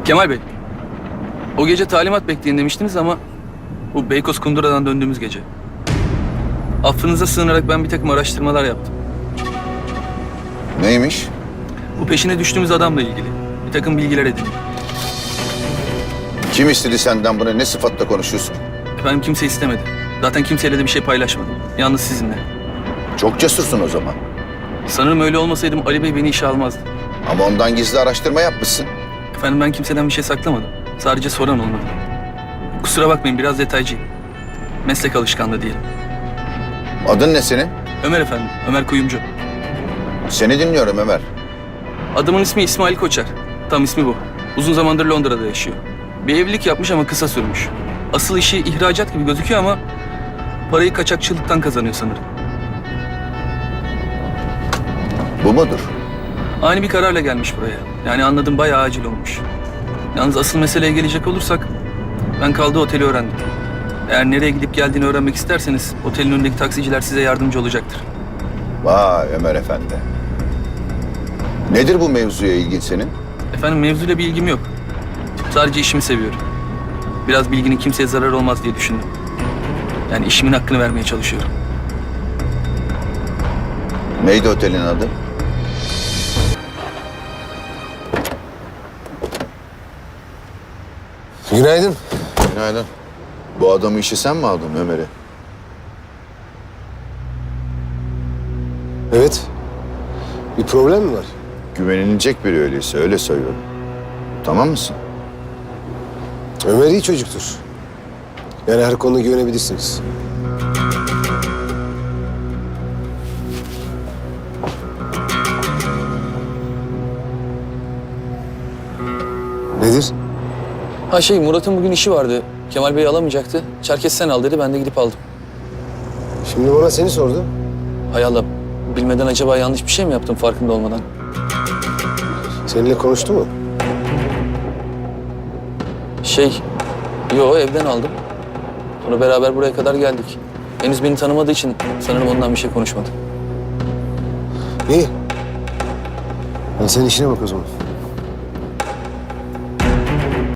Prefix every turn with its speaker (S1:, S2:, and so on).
S1: Kemal Bey, o gece talimat bekleyin demiştiniz ama bu Beykoz Kundura'dan döndüğümüz gece. Affınıza sığınarak ben bir takım araştırmalar yaptım.
S2: Neymiş?
S1: Bu peşine düştüğümüz adamla ilgili bir takım bilgiler edindim.
S2: Kim istedi senden bunu? Ne sıfatla konuşuyorsun?
S1: Efendim kimse istemedi. Zaten kimseyle de bir şey paylaşmadım. Yalnız sizinle.
S2: Çok cesursun o zaman.
S1: Sanırım öyle olmasaydım Ali Bey beni işe almazdı.
S2: Ama ondan gizli araştırma yapmışsın.
S1: Efendim ben kimseden bir şey saklamadım. Sadece soran olmadı. Kusura bakmayın biraz detaycıyım. Meslek alışkanlığı diyelim.
S2: Adın ne senin?
S1: Ömer efendim, Ömer Kuyumcu.
S2: Seni dinliyorum Ömer.
S1: Adamın ismi İsmail Koçer. Tam ismi bu. Uzun zamandır Londra'da yaşıyor. Bir evlilik yapmış ama kısa sürmüş. Asıl işi ihracat gibi gözüküyor ama parayı kaçakçılıktan kazanıyor sanırım.
S2: Bu mudur?
S1: Ani bir kararla gelmiş buraya. Yani anladım bayağı acil olmuş. Yalnız asıl meseleye gelecek olursak ben kaldığı oteli öğrendim. Eğer nereye gidip geldiğini öğrenmek isterseniz otelin önündeki taksiciler size yardımcı olacaktır.
S2: Vay Ömer Efendi. Nedir bu mevzuya ilgin senin?
S1: Efendim mevzuyla bir ilgim yok. Sadece işimi seviyorum. Biraz bilginin kimseye zarar olmaz diye düşündüm. Yani işimin hakkını vermeye çalışıyorum.
S2: Neydi otelin adı?
S3: Günaydın.
S2: Günaydın. Bu adamı işe sen mi aldın Ömer'i?
S3: Evet. Bir problem mi var?
S2: Güvenilecek biri öyleyse öyle söylüyorum. Tamam mısın?
S3: Ömer iyi çocuktur. Yani her konuda güvenebilirsiniz. Nedir?
S1: Ha Murat'ın bugün işi vardı. Kemal Bey alamayacaktı. Çerkes sen al dedi, ben de gidip aldım.
S3: Şimdi bana seni sordu.
S1: Hay Allah, bilmeden acaba yanlış bir şey mi yaptım farkında olmadan?
S3: Seninle konuştu mu?
S1: Yo evden aldım. Sonra beraber buraya kadar geldik. Henüz beni tanımadığı için sanırım ondan bir şey konuşmadı.
S3: İyi. Sen işine bak o zaman.